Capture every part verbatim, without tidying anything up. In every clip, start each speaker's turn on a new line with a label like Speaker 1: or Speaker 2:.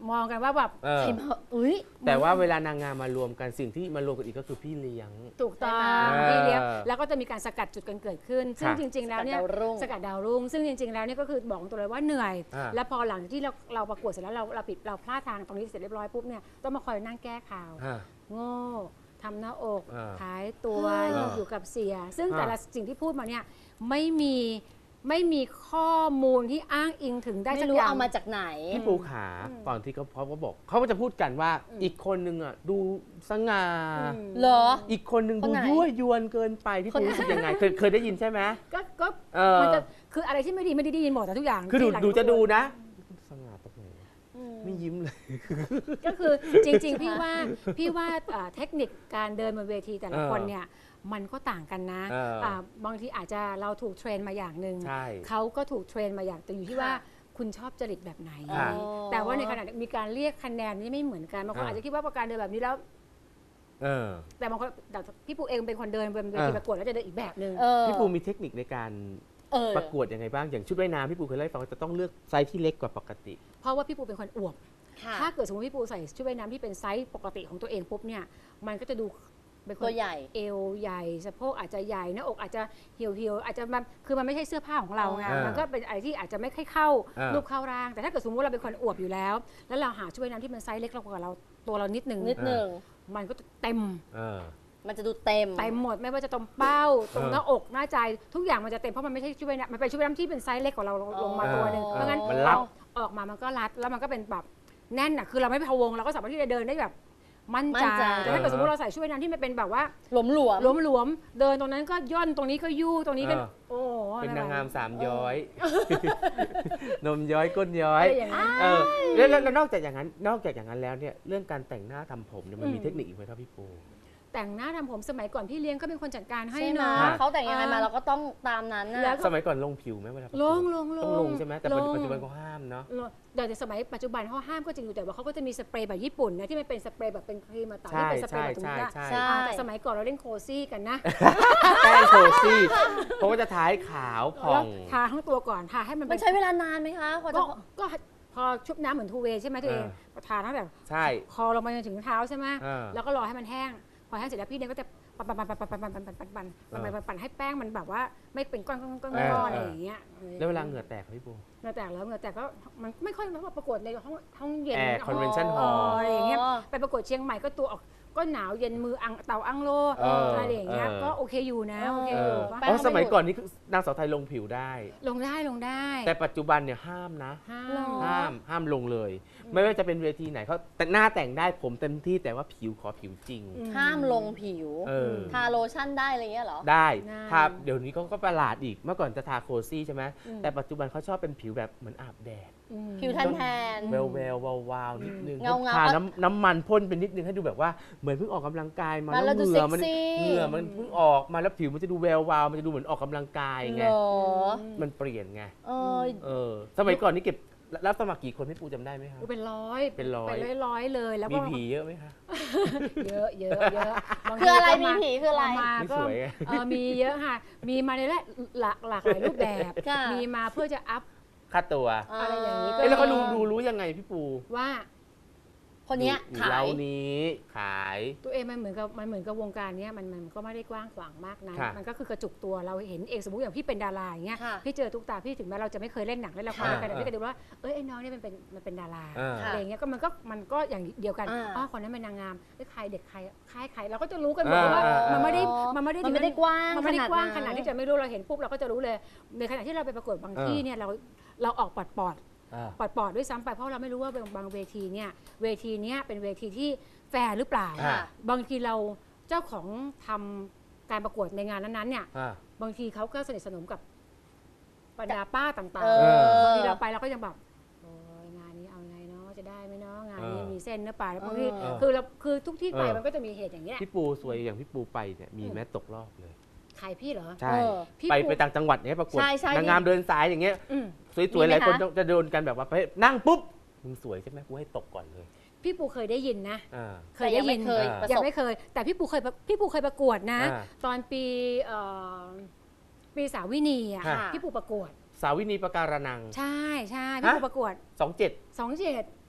Speaker 1: มองกันว่าแบบ
Speaker 2: เออ
Speaker 1: ใครมาอุ้ย
Speaker 2: แต่ว่าเวลานางงามมารวมกันสิ่งที่มารวมกันอีกก็คือพี่เลี้ยง
Speaker 1: ถูกต้อง
Speaker 2: เออ
Speaker 1: พี่เลี้ยงแล้วก็จะมีการสกัดจุดกันเกิดขึ้น ซึ่ง
Speaker 2: ค่ะ
Speaker 1: จริง ๆ แล้วเนี่ย
Speaker 3: สกัดดาวรุ่ง
Speaker 1: สกัดดาวรุ่งซึ่งจริง ๆ แล้วเนี่ยก็คือบอกตัวเลยว่าเหนื่อย
Speaker 2: อ่า
Speaker 1: แล้วพอหลังจากที่เราเราประกวดเสร็จแล้วเราเราปิดเราพลาดทางตรงนี้เสร็จเรียบร้อยปุ๊บเนี่ยต้องมาคอยนั่งแก้ข่าว
Speaker 2: อ่า
Speaker 1: โง่ทำหน้าอก
Speaker 2: อ่า
Speaker 1: ขายตัว
Speaker 2: อ่า
Speaker 1: อยู่กับเสีย ซึ่ง
Speaker 2: อ่า
Speaker 1: แต่ละสิ่งที่พูดมาเนี่ยไม่มีไม่มีข้อมูลที่อ้างอิงถึงได้
Speaker 3: ไม่
Speaker 1: สัก
Speaker 3: รู้
Speaker 1: อย่าง
Speaker 3: เอามาจากไหน
Speaker 2: พี่ปูขา
Speaker 1: อืม
Speaker 2: ตอนที่เขาเขาก็บอกเขาก็จะพูดกันว่า
Speaker 1: อืม
Speaker 2: อีกคนนึงอ่ะดูสง่า
Speaker 1: อืม
Speaker 3: เหรอ
Speaker 2: อีกคนนึง
Speaker 3: ค
Speaker 2: ดู
Speaker 3: นไหน
Speaker 2: ยั่วยวนเกินไปพี่ปูรู้สึกยังไงเคยเคยได้ยินใช่ไหม
Speaker 1: ก็ก็
Speaker 2: เออ
Speaker 1: มันจะคืออะไรที่ไม่ดีไม่ได้ได้ยินหมดแต่ทุกอย่าง
Speaker 2: คือดู
Speaker 1: ที่หลัง
Speaker 2: ดูจะดู
Speaker 1: ประกว
Speaker 2: นะสง่าตรงไหนวะ
Speaker 3: อืม
Speaker 2: ไม่ยิ้มเลย
Speaker 1: ก็คือจริง ๆ พี่ว่าพี่ว่าเอ่อเทคนิคการเดินบนเวทีแต่ละ
Speaker 2: เออ
Speaker 1: คนเนี่ยมันก็ต่างกันนะ
Speaker 2: เอออ่
Speaker 1: าบางทีอาจจะเราถูกเทรนมาอย่างหนึ่ง
Speaker 2: ใช่
Speaker 1: เขาก็ถูกเทรนมาอย่างแต่อยู่ที่ว่าคุณชอบจริตแบบไหน
Speaker 2: ค่ะ
Speaker 1: แต่ว่าในขณะมีการเรียกคะแนนนี่ไม่เหมือนกันบางคน
Speaker 2: อ่า
Speaker 1: อาจจะคิดว่าประการเดินแบบนี้แล้ว
Speaker 2: เออ
Speaker 1: แต่บางคนแต่พี่ปูเองเป็นคนเดินบนเวที
Speaker 2: เออ
Speaker 1: ประกวดแล้วจะเดินอีกแบบหนึ่ง
Speaker 3: เออ
Speaker 2: พี่ปูมีเทคนิคในการ
Speaker 3: เออ
Speaker 2: ประกวดยังไงบ้างอย่างชุดว่ายน้ำพี่ปูเคยเล่าให้ฟังว่าจะต้องเลือกไซส์ที่เล็กกว่าปกติ
Speaker 1: เพราะว่าพี่ปูเป็นคนอวบ
Speaker 3: ค่ะ
Speaker 1: ถ้าเกิดสมมติพี่ปูใส่ชุดว่ายน้ำที่เป็นไซส์ปกติของตัวเองปุ๊บเนี่ยมันก็จะดูเป็นคน
Speaker 3: ตัวใหญ่
Speaker 1: เอวใหญ่สะโพกอาจจะใหญ่หน้าอกอาจจะเหี่ยวเหี่ยวๆอาจจะมันคือมันไม่ใช่เสื้อผ้าของเราไง
Speaker 2: อ่ามั
Speaker 1: มันก็เป็นอะไรที่อาจจะไม่ค่อยเข้า
Speaker 2: อ่า
Speaker 1: รูปเข้าร่าง แต่ถ้าเกิดสมมติเราเป็นคนอวบอยู่แล้ว แล้วเราหาชุดว่ายน้ำที่มันไซส์เล็กกว่าเราตัวเรานิดนึง
Speaker 3: นิดหนึ่ง
Speaker 1: มันก็จะเต็ม
Speaker 2: เออ
Speaker 3: มันจะดูเต็ม
Speaker 1: เต็มหมดไม่ว่าจะตรงเป้าตรง
Speaker 2: เออ
Speaker 1: หน้าอกหน้าใจทุกอย่างมันจะเต็มเพราะมันไม่ใช่ชุดว่ายน้ำมันเป็นชุดว่ายน้ำที่เป็นไซส์เล็กกว่าเราลงมาตัวหนึ่ง
Speaker 3: อ๋อ
Speaker 1: เพราะงั้น
Speaker 2: มันรัด
Speaker 1: ออกมามันก็รัดแล้วมันก็เป็นแบบแน่นอ่ะคือเราไม่พะวงเราก็สามารถที่จะเดินได้แบบมั่น
Speaker 3: มั่
Speaker 1: ใจ
Speaker 3: นใจ
Speaker 1: แต่ถ้าเกิดสมมติเราใส่ชุดว่ายน้ำที่มันเป็นแบบว่า
Speaker 3: หลวมหลวม
Speaker 1: หลวมๆเดินตรงนั้นก็ย่นตรงนี้ก็ยู่ตรงนี้ก็
Speaker 2: เออ
Speaker 1: โอ้โห
Speaker 2: เป็นนางงาม
Speaker 1: อะไร
Speaker 2: สามย้อย นมย้อยก้นย้อย
Speaker 1: อะไรอย่างนั้น
Speaker 2: เออแล้วแล้วแล้วนอกจากอย่างนั้นนอกจากอย่างนั้นแล้วเนี่ยเรื่องการแต่งหน้าทำผมเนี่ยมันมี
Speaker 1: อืม
Speaker 2: เทคนิคอีกไหมครับพี่ปู
Speaker 1: แต่งหน้าทำผมสมัยก่อนพี่เลี้ยงก็เป็นคนจัดการให้
Speaker 3: ใช่ไหม
Speaker 1: เนาะ
Speaker 3: เขาแต่งยังไงมาเราก็ต้องตามนั้น
Speaker 1: แล้
Speaker 3: นะ
Speaker 1: วก็
Speaker 2: สมัยก่อนลงผิวไหมเวลาประกวด
Speaker 1: ลงลงลง
Speaker 2: ต้องลงใช่ไหมแต่ปัจจุ
Speaker 1: ลง
Speaker 2: ปัจจุบันเขาห้ามเนาะ
Speaker 1: แต่ในสมัยปัจจุบันเขาห้ามก็จริงอยู่แต่ว่าเขาก็จะมีสเปรย์แบบญี่ปุ่นนะที่มันเป็นสเปรย์แบบเป็นครีมมาต่อที่
Speaker 2: ใช่
Speaker 1: เป็นสเปร
Speaker 2: ใช่
Speaker 1: ย์แบบตรง
Speaker 2: ใช่
Speaker 1: นี้
Speaker 2: ใช่
Speaker 3: ใช่
Speaker 1: อ่าแต่สมัยก่อนเราเล่นโคซี่กันนะ
Speaker 2: แป้งโคซี่เพราะว่าจะท้ายขาวผ่อ
Speaker 1: แล้ว
Speaker 2: ง
Speaker 1: ทาทั้งตัวก่อนทาให้มัน
Speaker 3: มั
Speaker 1: เป็น น
Speaker 3: ใช้เวลานานไหมคะกว่าจะ
Speaker 1: ก็ก็พอชุบน้ำเหมือนทูเวย์ใช่ไหมตัวเอง
Speaker 2: เออ
Speaker 1: ก็ทาตั้งแต่
Speaker 2: ใช่
Speaker 1: คอลงมาจนถึงเท้าใช่ไหม
Speaker 2: เออ
Speaker 1: แล้วก็รอให้มันแห้งพอแห้งเสร็จแล้วพี่เนี่ยก็จะปั่นปั่นปั่นปั่นปั่นปั่นปั่นปั่นปั่นปั่นปั่นปั่นปั่นให้แป้งมันแบบว่าไม่เป็นก้อนก้อนก้อนก้อนอะไรอย่างเงี้ย
Speaker 2: แล้วเวลาเหงื่อแตกครับพี่ปู
Speaker 1: เหงื่อแตกแล้วเหงื่อแตกก็มันไม่ค่อยเพราะว่าประกวดในห้องห้องเย็น
Speaker 2: แอร์ convention
Speaker 1: อ๋อ
Speaker 2: hall
Speaker 1: อะไรอย่างเงี้ยไปประกวดเชียงใหม่ก็ตัวออกก็หนาวเย็นมืออังเตาอังโล
Speaker 2: เอออ
Speaker 1: อะไรอย่างเงี้ย
Speaker 2: เออ
Speaker 1: ก็โอเคอยู่นะโอเค
Speaker 2: เอ
Speaker 1: อยู่
Speaker 2: อ
Speaker 1: ปะ
Speaker 3: แป้
Speaker 2: อ๋
Speaker 3: ง
Speaker 2: อสมัยก่อนนี่คือนางสาวไทยลงผิวได้
Speaker 1: ลงได้ลงได้
Speaker 2: แต่ปัจจุบันเนี่ยห้ามนะ
Speaker 1: ห้า
Speaker 3: หรอ
Speaker 1: ม
Speaker 2: ห้ามห้ามลงเลย ไม่ว่าจะเป็นเวทีไหนเขาแต่หน้าแต่งได้ผมเต็มที่แต่ว่าผิวขอผิวจริง
Speaker 1: อื
Speaker 3: ห้ามลงผิว
Speaker 2: เออ
Speaker 3: ทาโลชั่นได้อะไรเงี้ยเหรอ
Speaker 2: ได้
Speaker 1: ได้
Speaker 2: ทาเดี๋ยวนี้เขาก็ประหลาดอีกเมื่อก่อนจะทาโคซี่ใช่ไหม
Speaker 1: อืม
Speaker 2: แต่ปัจจุบันเขาชอบเป็นผิวแบบเหมือนอาบแดด
Speaker 1: อืม
Speaker 3: ผิวแทนแทน
Speaker 2: แววแวววาววาวนิดนึง
Speaker 3: เงาๆ
Speaker 2: ทาน้ำน้ำมันพ่นเป็นนิดนึงให้ดูแบบว่าเหมือนเพิ่งออกกำลังกายมา
Speaker 3: มาแล้ว
Speaker 2: เห
Speaker 3: ดู
Speaker 2: งื่อมัน
Speaker 3: เซ็กซี่
Speaker 2: เหงื่อมันเพิ่งออกมาแล้วผิวมันจะดูแวววาวมันจะดูเหมือนออกกำลังกายไง
Speaker 3: เหรอ
Speaker 2: มันเปลี่ยนไง
Speaker 3: เออ
Speaker 2: เออสมัยก่อนนี่เก็บรับสมัครกี่คนพี่ปูจำได้ไหมครับ
Speaker 1: อุ๊ยเป็นร้อย
Speaker 2: เป็นร้อย
Speaker 1: เป็นร้อยร้อยๆเลยแล้ว
Speaker 2: มี
Speaker 1: ก็
Speaker 2: ผีเยอะไหมคะ
Speaker 1: เยอะเยอะเยอะบางที
Speaker 3: คืออะไร
Speaker 1: ก็
Speaker 3: มีผีคืออะไร
Speaker 1: มา
Speaker 2: ไม่
Speaker 1: ก็
Speaker 2: สวยไง
Speaker 1: เออมีเยอะค่ะ มีมาในหลากหลากหลายรูปแบบ
Speaker 3: ค่ะ
Speaker 1: มีมาเพื่อจะอัพ
Speaker 2: ค่าตัว
Speaker 1: อะไรอย่างนี้ก็
Speaker 2: เอ้ยแล้วเขาดูดูรู้ยังไงพี่ปู
Speaker 1: ว่า
Speaker 3: คนเนี้ย
Speaker 2: อยู่
Speaker 3: ขา
Speaker 2: เล้าย นี้ขาย
Speaker 1: ตัวเองมันเหมือนกับมันเหมือนกับวงการเนี้ยมันมันก็ไม่ได้กว้างขวางมากนะ
Speaker 2: ค่ะ
Speaker 1: มันก็คือกระจุกตัวเราเห็นเองสมมติอย่างพี่เป็นดาราอย่างเงี้ย
Speaker 3: ค่ะ
Speaker 1: พี่เจอทุกตาพี่ถึงแม้เราจะไม่เคยเล่นหนังเล่นละคร
Speaker 2: ค่ะ
Speaker 1: กันแต่พี่ก็ดูว่าเอ้ยไอ้น้องเนี่ยมันเป็นมันเป็นดารา
Speaker 2: อ่า
Speaker 1: อะไรอย่างเงี้ยก็มันก็มันก็อย่างเดียวกัน
Speaker 3: อ่า
Speaker 1: อ๋อคนนั้นเป็นนางงามเอ้ยใครเด็กใครใครใครเราก็จะรู้กันหมดเพราะว่า
Speaker 2: อ่า
Speaker 1: มันไม่ได้
Speaker 3: อ๋อ
Speaker 1: มันไม่ได้
Speaker 3: มันไม่ได้กว้าง
Speaker 1: มันไม่ได้กว้างข
Speaker 3: ข
Speaker 1: นา
Speaker 3: นา
Speaker 1: ด
Speaker 3: ด
Speaker 1: ที่จะไม่รู้เราเห็นปุ๊บเราก็จะรู้เลย ในขณะที่เราไปประกวดบางที่เนี่ยเราเราออกปอดปอด
Speaker 2: อ่า
Speaker 1: ปอดปอดด้วยซ้ำไปเพราะเราไม่รู้ว่าบางเวทีเนี่ยเวทีเนี้ยเป็นเวทีที่แฟร์หรือเปล่า
Speaker 2: อ่า
Speaker 1: บางทีเราเจ้าของทำการประกวดในงานนั้นๆเนี่ย
Speaker 2: อ่า
Speaker 1: บางทีเขาก็สนิทสนมกับบรรดาป้าต่าง
Speaker 3: เอ
Speaker 1: ๆ
Speaker 3: อ
Speaker 1: บางทีเราไปเราก็ยังแบบโอ้ยงานนี้เอาไงเนาะจะได้ไหมเนาะงานนี้
Speaker 2: เออ
Speaker 1: มีเส้นหรือเปล่าแล้วบางที
Speaker 3: เออ
Speaker 1: คือเราคือทุกที่ไป
Speaker 2: เออ
Speaker 1: มันก็จะมีเหตุอย่างเงี้ย
Speaker 2: พี่ปูสวยอย่างพี่ปูไปเนี่ยมีแม้ตกรอบเลย
Speaker 1: ขายพี่เหรอ
Speaker 2: ใช่
Speaker 3: เออ
Speaker 1: พี่
Speaker 2: ไป
Speaker 1: ปู
Speaker 2: ไปต่างจังหวัดเนี่ยประกวด
Speaker 3: ใช่ใช่
Speaker 2: นางงามเดินสายอย่างเงี้ย
Speaker 1: อืม
Speaker 2: สวยๆห
Speaker 3: มีไหม
Speaker 2: ลายคน
Speaker 3: คะ
Speaker 2: จะโดนกันแบบว่าไปนั่งปุ๊บมึงสวยใช่ไหมกูให้ตกก่อนเลย
Speaker 1: พี่ปูเคยได้ยินนะ
Speaker 2: อ่า
Speaker 1: เคยได้ยิน
Speaker 3: แต่งไม่เคย
Speaker 2: อ่า
Speaker 3: ประ
Speaker 1: ยั
Speaker 3: ส
Speaker 1: ง
Speaker 3: บ
Speaker 1: ไม่เคย แต่พี่ปูเคยพี่ปูเคยประกวดนะ
Speaker 2: อ่า
Speaker 1: ตอนปีเอ่อปีสาวินีอ่ะ
Speaker 2: ค่ะ
Speaker 1: พี่ปูประกวด
Speaker 2: สาวินีประการนัง
Speaker 1: ใช่ใช่พี่ปู
Speaker 2: ฮะ
Speaker 1: ประกวด
Speaker 2: สองเจ็ด
Speaker 1: สองเจ็ด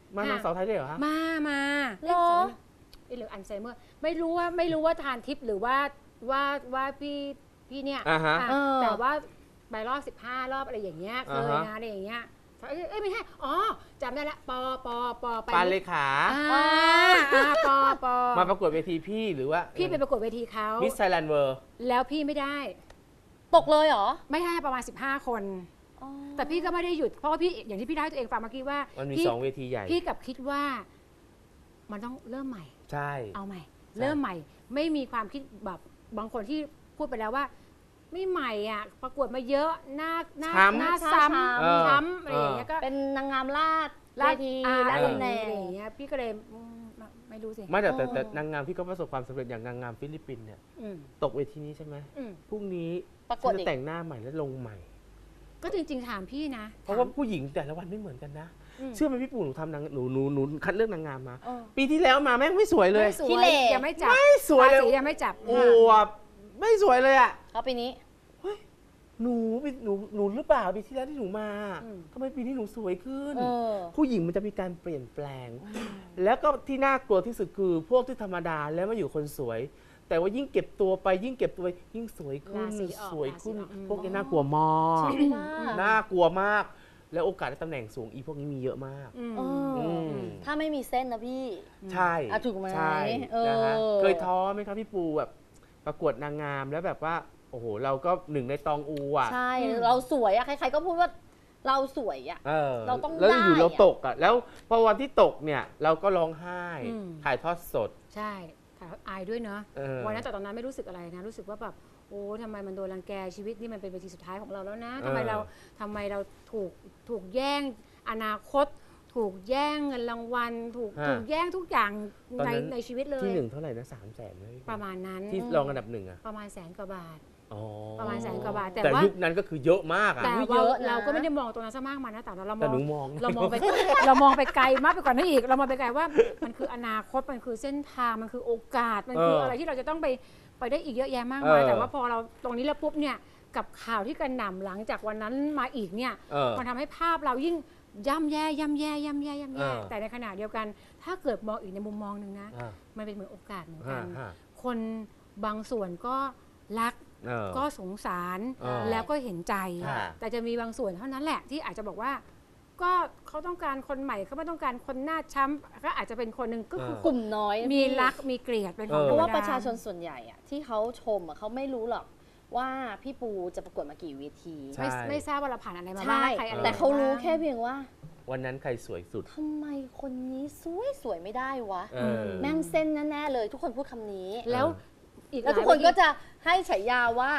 Speaker 2: มานางสาวไทยได้วยเหรอฮะ
Speaker 1: มามา
Speaker 3: เหรอ
Speaker 1: เอ๊ะหรืออัลไซเมอร์ไม่รู้ว่าไม่รู้ว่าทานทิพย์หรือว่าว่าว่าพี่พี่เนี่ย
Speaker 2: อ่าฮะ
Speaker 1: อ่ะ
Speaker 3: เออ
Speaker 1: แต่ว่าไปรอบสิบห้ารอบอะไรอย่างเงี้ยเค
Speaker 2: อ่าย ฮะ
Speaker 1: นะอะไรอย่างเงี้ยเอ้ยเอ้ยไม่ใช่อ๋อจำได้ละปอปอปอไป
Speaker 2: ปานเลขา
Speaker 1: อ่าอ่าปอปอ
Speaker 2: มาประกวดเวทีพี่หรือว่า
Speaker 1: พี่ไปประกวดเวทีเขา
Speaker 2: มิสไทยแลนด์เวิร์
Speaker 1: แล้วพี่ไม่ได้
Speaker 3: ตกเลยเหรอ
Speaker 1: ไม่ได้ประมาณสิบห้าคน
Speaker 3: อ๋อ
Speaker 1: แต่พี่ก็ไม่ได้หยุดเพราะว่าพี่อย่างที่พี่ได้ตัวเองฟังเมื่อกี้ว่า
Speaker 2: มันมี
Speaker 1: พี่
Speaker 2: สองเวทีใหญ่
Speaker 1: พี่กับคิดว่า มันต้องเริ่มใหม่
Speaker 2: ใช่
Speaker 1: เอาใหม่
Speaker 2: ใช่
Speaker 1: เริ่มใหม่ ไม่มีความคิดแบบบางคนที่พูดไปแล้วว่า ไม่ใหม่อ่ะ ประกวดมาเยอะหน้าหน้า
Speaker 2: ช้ำ
Speaker 1: หน้า
Speaker 3: ช้ำ
Speaker 1: ซ้
Speaker 2: เออ
Speaker 1: ำช้ำอะไรอย่างเงี้ยก็
Speaker 3: เป็นนางงามลาดเว
Speaker 1: ลาด
Speaker 3: ที
Speaker 1: อ่า
Speaker 3: ลาด
Speaker 1: อะไร
Speaker 3: ตำแหน่ง
Speaker 1: อะไรอย่างเงี้ยพี่ก็เลยอืมไม่รู้สิ
Speaker 2: ไม่แต่แต่
Speaker 3: เออ
Speaker 2: แต่นางงามที่เขาประสบความสำเร็จอย่างนางงามฟิลิปปินส์เนี่ย
Speaker 1: อืม
Speaker 2: ตกเวทีนี้ใช่ไหม
Speaker 1: อืม
Speaker 2: พรุ่งนี้
Speaker 3: ประกวด
Speaker 2: ฉัน
Speaker 3: อี
Speaker 2: จะ
Speaker 3: ก
Speaker 2: แต่งหน้าใหม่และลงใหม่
Speaker 1: ก็จริง ๆ ถามพี่นะ
Speaker 2: เพราะว่าผู้หญิงแต่ละวันไม่เหมือนกันนะ
Speaker 1: ม
Speaker 2: เชื่อไหมพี่ปู่หนูทำนางหนูหนูหนูคัดเลือกนางงามมา
Speaker 3: เออ
Speaker 2: ปีที่แล้วมาแม่งไม่สวยเลย
Speaker 1: ไม่สว
Speaker 3: ขี้
Speaker 1: ย
Speaker 3: เหร่
Speaker 1: ยังไม่จับ
Speaker 2: ไม่สวยเลย
Speaker 1: ราศียังไม่จับ
Speaker 2: โอ้วไม่สวยเลยอ่ะ
Speaker 3: เขาปีนี้
Speaker 2: หนูปีหนูหนูหรือเปล่าปีที่แล้วที่หนูมา
Speaker 1: อืม
Speaker 2: ทำไมปีนี้หนูสวยขึ้น
Speaker 3: เออ
Speaker 2: ผู้หญิงมันจะมีการเปลี่ยนแปลง แล้วก็ที่น่ากลัวที่สุดคือพวกที่ธรรมดาแล้วมาอยู่คนสวย แต่ว่ายิ่งเก็บตัวไปยิ่งเก็บตัวไปยิ่งสวยขึ้น
Speaker 1: ราศีออก
Speaker 2: สวยขึ้น
Speaker 1: ราศีออกอืม
Speaker 2: พวกนี้น่ากลัวมาก
Speaker 3: จริงมาก
Speaker 2: น่ากลัวมาก แล้วโอกาสได้ตำแหน่งสูงอีพวกนี้มีเยอะมาก
Speaker 1: อืม
Speaker 3: เอออ
Speaker 2: ม
Speaker 3: ถ้าไม่มีเส้นนะพี่
Speaker 2: ใช่
Speaker 3: อ่ะถูกไหม
Speaker 2: ใช่
Speaker 3: เออ
Speaker 2: นะฮะเคยท้อไหมครับพี่ปูแบบประกวดนางงามแล้วแบบว่าโอ้โหเราก็หนึ่งในตองอูอ่ะ
Speaker 3: ใช่ เราสวยอะใครๆก็พูดว่าเราสวยอะ
Speaker 2: เออ
Speaker 3: เราต้อง
Speaker 2: แล้วอยู่
Speaker 3: ได้
Speaker 2: เรา
Speaker 3: อะ
Speaker 2: ตกอ่ะแล้วพอวันที่ตกเนี่ยเราก็ร้องไห้
Speaker 1: อืม
Speaker 2: ถ่ายทอดสด
Speaker 1: ใช่ถ่ายอายด้วยเนาะ
Speaker 2: เออ
Speaker 1: วันนั้นแต่ตอนนั้นไม่รู้สึกอะไรนะ รู้สึกว่าแบบโอ้ทำไมมันโดนรังแกชีวิตนี่มันเป็นเวทีสุดท้ายของเราแล้วนะทำไมเราทำไมเราถูกถูกแย่งอนาคต ถูกแย่งเงินรางวัล ถูก
Speaker 2: ฮะ
Speaker 1: ถูกแย่งทุกอย่าง
Speaker 2: ตอน
Speaker 1: ใน
Speaker 2: นั้น
Speaker 1: ในชีวิตเลย
Speaker 2: ที่หนึ่งเท่าไหร่นะสามแสนเลย
Speaker 1: ประมาณนั้น
Speaker 2: ที่รองอันดับหนึ่งอะ
Speaker 1: ประมาณแสนกว่าบาท
Speaker 2: อ๋อ
Speaker 1: ประมาณแสนกว่าบาทแต่
Speaker 2: แต่
Speaker 1: ว่า
Speaker 2: ยุคนั้นก็คือเยอะมากอะ
Speaker 1: แต่
Speaker 3: อุ๊ย
Speaker 1: ว่า
Speaker 3: เยอะนะ
Speaker 1: เราก็ไม่ได้มองตรงนั้นซะมากมายนะแต่เราม
Speaker 2: แต่
Speaker 1: อง
Speaker 2: หนูมอง
Speaker 1: เรามองไป เรามองไปไกลมากไปกว่านั้นอีก เรามองไปไกลว่ามันคืออนาคต มันคือเส้นทาง มันคือโอกาส มันคือ
Speaker 2: เอออ
Speaker 1: อะไรที่เราจะต้องไปไปได้อีกเยอะแยะมากมาย
Speaker 2: เออ
Speaker 1: แต่ว่าพอเราตรงนี้แล้วปุ๊บเนี่ย กับข่าวที่กระหน่ำหลังจากวันนั้นมาอีกเนี่ย
Speaker 2: เออ
Speaker 1: มันทำให้ภาพเรายิ่งย่ำแย่ย่ำแย่ย่ำแย่ย่ำแย่
Speaker 2: เออ
Speaker 1: แต่ในขณะเดียวกัน ถ้าเกิดมองอีกในมุมมองหนึ่งนะ
Speaker 2: อ่า
Speaker 1: มันเป็นเหมือนโอกาสเหมือนกั
Speaker 2: ฮะ
Speaker 1: น
Speaker 2: ฮะ
Speaker 1: คนบางส่วนก็รัก
Speaker 2: เออ
Speaker 1: ก็สงสาร
Speaker 2: เออ
Speaker 1: แล้วก็เห็นใจ
Speaker 2: ค่ะ
Speaker 1: แต่จะมีบางส่วนเท่านั้นแหละที่อาจจะบอกว่า ก็เขาต้องการคนใหม่เขาไม่ต้องการคนหน้าช้ำก็อาจจะเป็นคนหนึ่งก็คือก
Speaker 3: ลุ่มน้อย
Speaker 1: มี
Speaker 3: พี่
Speaker 1: รักมีเกลียดเป็นของ
Speaker 2: เออ
Speaker 3: เพราะว่า
Speaker 1: ธมด
Speaker 3: ประชาชนส่วนใหญ่อะที่เขาชมอะเขาไม่รู้หรอกว่าพี่ปูจะประกวดมากี่เวที
Speaker 2: ใช่
Speaker 1: ไม่ไม่ทราบว่าเราผ่านอะไรมาบ้าง
Speaker 3: ใช่
Speaker 1: ใครอะไร
Speaker 3: แต่เขารู้
Speaker 1: บ้ง
Speaker 3: แค่เพียงว่า
Speaker 2: วันนั้นใครสวยสุด
Speaker 3: ทำไมคนนี้สวยสวยไม่ได้วะ
Speaker 2: เออ
Speaker 3: แม่งเส้นแน่ๆเลย ทุกคนพูดคำนี้
Speaker 1: แล้วอีก
Speaker 3: แล้ว
Speaker 1: ห
Speaker 3: ทุ
Speaker 1: ลาก ย
Speaker 3: คนก็
Speaker 1: เวที
Speaker 3: จะให้ฉายาว่า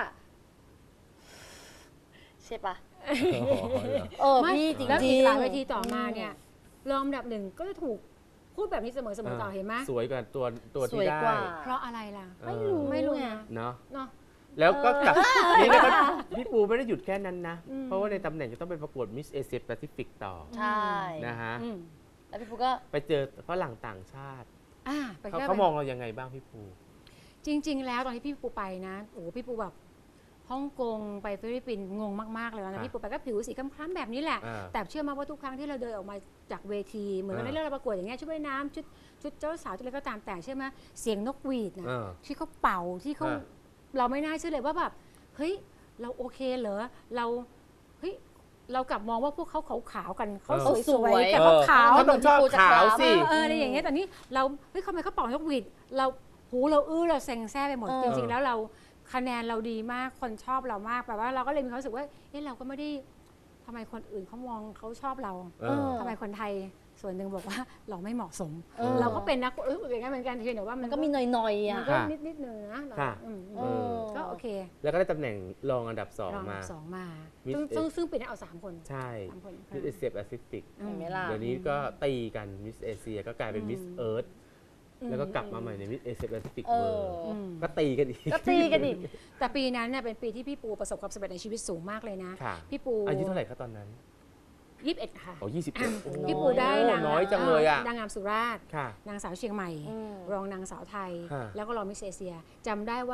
Speaker 3: ใช่ปะเออ
Speaker 1: ไม่
Speaker 3: พี่จริง
Speaker 1: แล้ว
Speaker 3: ๆ
Speaker 1: อีกหลายเวทีต่อมาเนี่ยรองอันดับหนึ่งก็จะถูกพูดแบบนี้เสมอเสมอต่อเห็นไหม
Speaker 2: สวยกว่าตัวตัว
Speaker 3: ส
Speaker 2: ที่
Speaker 3: วย
Speaker 2: ได้
Speaker 3: กว่า
Speaker 1: เพราะอะไรล่ะ
Speaker 3: ไม่รู้
Speaker 1: ไม่รู้
Speaker 3: ไง
Speaker 1: นะ
Speaker 2: เนาะ
Speaker 1: เนาะ
Speaker 2: แล้วก็กลับ
Speaker 3: เออ
Speaker 2: นี่แล้วก็พี่ปูไม่ได้หยุดแค่นั้นนะ
Speaker 1: อืม
Speaker 2: เพราะว่าในตำแหน่งจะต้องไปประกวดมิสเอเชียแปซิฟิกต่อ
Speaker 3: ใช่
Speaker 2: นะฮะ
Speaker 1: อืม
Speaker 3: แล้วพี่ปูก็
Speaker 2: ไปเจอฝรั่งต่างชาติ
Speaker 1: อ่าไป
Speaker 2: เขา
Speaker 1: แค่
Speaker 2: เขามองเรายังไงบ้างพี่ปู
Speaker 1: จริง ๆ แล้วตอนที่พี่ปูไปนะโอ้พี่ปูแบบฮ่องกงไปฟิลิปปินส์งงมากๆเลยนะ
Speaker 2: อ่ะ
Speaker 1: พี่ปูไปก็ผิวสีคล้ำๆแบบนี้แหละ
Speaker 2: อ่า
Speaker 1: แต่เชื่อมาว่าทุกครั้งที่เราเดินออกมาจากเวที เหมือนกับ
Speaker 2: อ่า
Speaker 1: ในเรื่องเราประกวดอย่างเงี้ยชุดว่ายน้ำชุดชุดเจ้าสาวชุดอะไรก็ตามแต่เชื่อไหมเสียงนกหวีดนะ
Speaker 2: อ่า
Speaker 1: ที่เขาเป่าที่เขา
Speaker 2: อ่า
Speaker 1: เราไม่น่าเชื่อเลยว่าแบบเฮ้ยเราโอเคเหรอเราเฮ้ยเรากลับมองว่าพวกเขาขาวๆกันเขา
Speaker 2: เออ
Speaker 1: สวยๆกับ
Speaker 2: เออ
Speaker 1: ขาว
Speaker 2: เขาต้องชอบขาวสิ
Speaker 1: ๆเอออะไรอย่างเงี้ยแต่นี่เราเฮ้ยทำไมเขาเป่านกหวีดเราหูเราอื้อเราเซ็งแซ่ไปหมด
Speaker 3: เออ
Speaker 1: จริง ๆ แล้วเราคะแนนเราดีมากคนชอบเรามากแปลว่าเราก็เลยมีความรู้สึกว่าเอ๊ะเราก็ไม่ได้ทำไมคนอื่นเขามองเขาชอบเรา
Speaker 2: เออ
Speaker 1: ทำไมคนไทยส่วนหนึ่งบอกว่าเราไม่เหมาะสม
Speaker 3: เออ
Speaker 1: เราก็เป็นนะเอออย่างนั้นเหมือนกันเพียงแต่ว่ามั
Speaker 3: มัน นก็มีหน่อยๆ
Speaker 1: มั
Speaker 3: อ่ะ
Speaker 1: นก็
Speaker 2: ค่ะ
Speaker 1: นิดนิดๆหนึงนะเรา
Speaker 2: ค่ะ
Speaker 1: อืม
Speaker 3: เออ
Speaker 1: ก็โอเค
Speaker 2: แล้วก็ได้ตำแหน่งรองอันดับสอง
Speaker 1: รองอัน
Speaker 2: มา
Speaker 1: ดับสองมา
Speaker 2: Miss
Speaker 1: ซึ่งซึ่งซึ่งปีนี้เอาสามคน
Speaker 2: ใช่
Speaker 1: สามคน
Speaker 2: มิสเอเชียแปซิฟิก
Speaker 1: อื
Speaker 3: เห็นไหมล่ะ
Speaker 2: เดี๋ยวนี้ก็ตีกันมิสเอเชียก็กลายเป็นมิสเอิร์ธ
Speaker 1: อื
Speaker 2: แล้วก็กลับมาใหม่ในมิสเอเชียแปซิฟิก
Speaker 3: เอ
Speaker 2: เวิ
Speaker 3: อ
Speaker 2: ร์
Speaker 1: อืม
Speaker 2: ก็ตีกันอีก
Speaker 3: ก็ตีกันอีก
Speaker 1: แต่ปีนั้นเนี่ยเป็นปีที่พี่ปูประสบความสำเร็จในชีวิตสูงมากเลยนะ
Speaker 2: ค่ะ
Speaker 1: พี่ปู
Speaker 2: อายุเท่าไหร่ครับตอนนั้น
Speaker 1: ยี่สิบเอ็ดค่ะ
Speaker 2: อ๋อยี่สิบเอ็ด
Speaker 1: พี่ปูได้นาง
Speaker 2: น้อยจังเลยอ่ะ
Speaker 1: นางงามสุราษฎร์
Speaker 2: ค่ะ
Speaker 1: นางสาวเชียงใหม่
Speaker 3: อืม
Speaker 1: รองนางสาวไทย
Speaker 2: ฮะ
Speaker 1: แล้วก็รองมิสเอเชียจำได้ว่า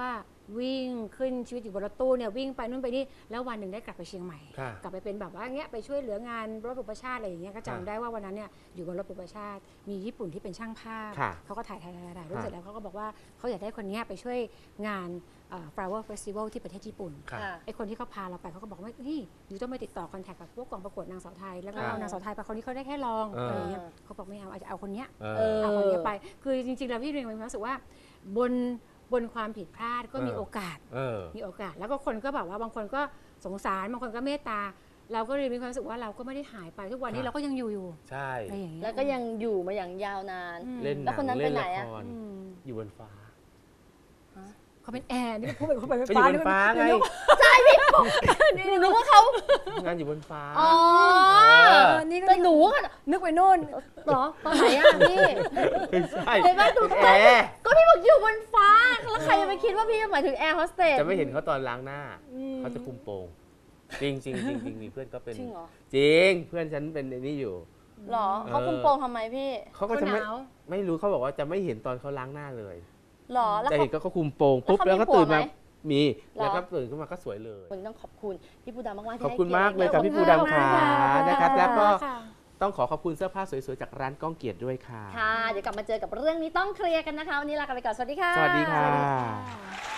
Speaker 1: วิ่งขึ้นชีวิตอยู่บนรถตู้เนี่ยวิ่งไปนู่นไปนี่แล้ววันหนึ่งได้กลับไปเชียงใหม่
Speaker 2: ค่ะ
Speaker 1: กลับไปเป็นแบบว่าเงี้ยไปช่วยเหลืองานรถบุปชาติอะไรอย่างเงี้ยก็จำได้ว่าวันนั้นเนี่ยอยู่บนรถบุปชาติมีญี่ปุ่นที่เป็นช่างภาพ
Speaker 2: ค่ะ
Speaker 1: เขาก็ถ่ายถ่ายถ่ายถ่ายรูป
Speaker 2: ค่ะ
Speaker 1: เสร็จแล้วเขาก็บอกว่าเขาอยากได้คนเนี้ยไปช่วยงานเอ่อ flower festival ที่ประเทศญี่ปุ่น
Speaker 2: ค่ะ
Speaker 3: ค่ะ
Speaker 1: ไอคนที่เขาพาเราไปเขาก็บอกว่าเฮ้ยอยู่ต้องไปติดต่อคอนแทคกับพวกกองประกวดนางสาวไทยแล้วก็
Speaker 2: ค่ะ
Speaker 1: เอานางสาวไทยไปคนนี้เขาได้แค่ลอง
Speaker 2: เอออ
Speaker 1: อะไรอย่างเงี้ยเขาบอกไม่เอาอาจจะเอาคนเนี้ย
Speaker 2: เอ
Speaker 3: เอ
Speaker 2: อ
Speaker 3: อ
Speaker 1: เอาคนเนี้ยไป คือจริงๆ แล้วพี่เรียนมีความรู้สึกว่าบนบนความผิดพลาดก็มี
Speaker 2: เออ
Speaker 1: โอกาส
Speaker 2: เออ
Speaker 1: มีโอกาส แล้วก็คนก็แบบว่าบางคนก็สงสารบางคนก็เมตตา เราก็เลยมีความรู้สึกว่าเราก็ไม่ได้หายไปทุกวันนี้
Speaker 2: ค่ะ
Speaker 1: เราก็ยังอยู่อยู่
Speaker 2: ใช่
Speaker 1: อะไรอย่างเงี้ย
Speaker 3: แล้วก็ยังอยู่มาอย่างยาวนาน
Speaker 1: อืม
Speaker 2: เล่นห
Speaker 3: แล้ว
Speaker 2: นั
Speaker 3: คน
Speaker 2: ง
Speaker 3: นั้นไป
Speaker 2: เล่น
Speaker 3: ไหน
Speaker 2: ละ
Speaker 3: อะ
Speaker 2: คร
Speaker 1: อืม
Speaker 2: อยู่บนฟ้า
Speaker 1: เขาเป็นแอร์นี่พูดไปเขาไป
Speaker 2: ก็อยู่บนฟ้าไง
Speaker 3: หนูนึกว่าเขา
Speaker 2: งานอยู่บนฟ้า
Speaker 3: อ๋อ
Speaker 2: เออ
Speaker 1: นี่ก็
Speaker 3: แต่หนูอะ
Speaker 1: นึกไปโน่น
Speaker 3: เหรอตอนไหนอะพี่
Speaker 2: ไม่ใช่
Speaker 3: เห็นไหมดู
Speaker 2: เป็นแอร์
Speaker 3: ก็พี่บอกอยู่บนฟ้า แล้วใครจะไปคิดว่าพี่หมายถึงแอร์โฮสเตส
Speaker 2: จะไม่เห็นเขาตอนล้างหน้า เขาจะคุมโปงจริงจริงจริงจริงมีเพื่อนก็เป็น
Speaker 3: จริงเหรอ
Speaker 2: จริงเพื่อนฉันเป็นไอ้นี่อยู่
Speaker 3: เหรอเขาคุมโปงทำไมพี่
Speaker 2: เขาก็
Speaker 1: เขา
Speaker 2: จะ
Speaker 1: ห
Speaker 2: ไม่
Speaker 1: นาว
Speaker 2: ไม่รู้เขาบอกว่าจะไม่เห็นตอนเขาล้างหน้าเลย
Speaker 3: เหรอแล้ว
Speaker 2: จะ
Speaker 3: เขา
Speaker 2: เห็นก็เขาคุมโปงปุ๊บ
Speaker 3: แล้
Speaker 2: แล้ว
Speaker 3: วเขา
Speaker 2: ก็ตื่น
Speaker 3: มีผัว
Speaker 2: มา
Speaker 3: ไหม
Speaker 2: มี
Speaker 3: เหรอ
Speaker 2: แล้วก็ตื่นขึ้นมาก็สวยเลย
Speaker 3: วันนี้ต้องขอบคุณพี่ปูดำมากๆที่
Speaker 2: ขอบคุณ
Speaker 3: ให้
Speaker 2: มากเลยครับ
Speaker 3: กี
Speaker 2: พี่
Speaker 3: รติ
Speaker 2: ปูดำค่ะ
Speaker 1: ขอบคุณ
Speaker 2: นะครับ แล้วก็
Speaker 1: ค่ะ
Speaker 2: ต้องขอขอบคุณเสื้อผ้าสวยๆจากร้านก้องเกียรติด้วยค่ะ
Speaker 3: ค่ะ เดี๋ยวกลับมาเจอกับเรื่องนี้ต้องเคลียร์กันนะคะ วันนี้ลากันไปก่อน สวัสดีค่ะ
Speaker 2: สวัสดีค่ะ
Speaker 1: ค่ะ